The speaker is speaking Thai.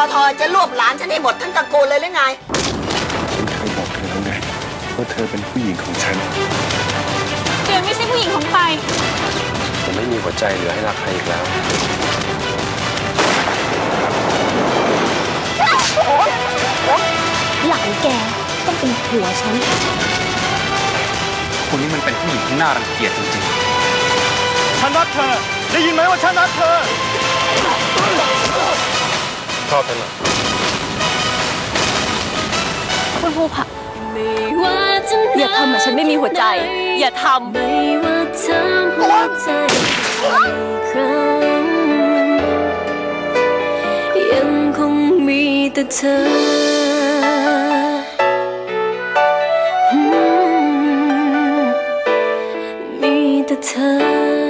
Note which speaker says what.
Speaker 1: ทจะรวบหลานฉันให้หมดทั้งตระกูลเลยหรือไง
Speaker 2: ฉันเคยบอกเธอแล้วไงว่าเธอเป็นผู้หญิงของฉัน
Speaker 3: เดือนไม่ใช่ผู้หญิงของใคร
Speaker 2: ผมไม่มีหัวใจเหลือให้รักใครอีกแล้ว
Speaker 3: หลังแกต้องเป็นผัวฉัน
Speaker 2: คนนี้มันเป็นผู้หญิงที่น่ารังเกียจจริง
Speaker 4: ๆฉันรักเธอได้ยินไหมว่าฉันรักเธอ
Speaker 2: ชอบฉันเหรอ
Speaker 3: คุณภูผาอย่าทำเหมือนฉันไม่มีหัวใจอย่าทำไม่ว่าเธอหัวใจยังคงมีแต่เธอมีแต่เธอ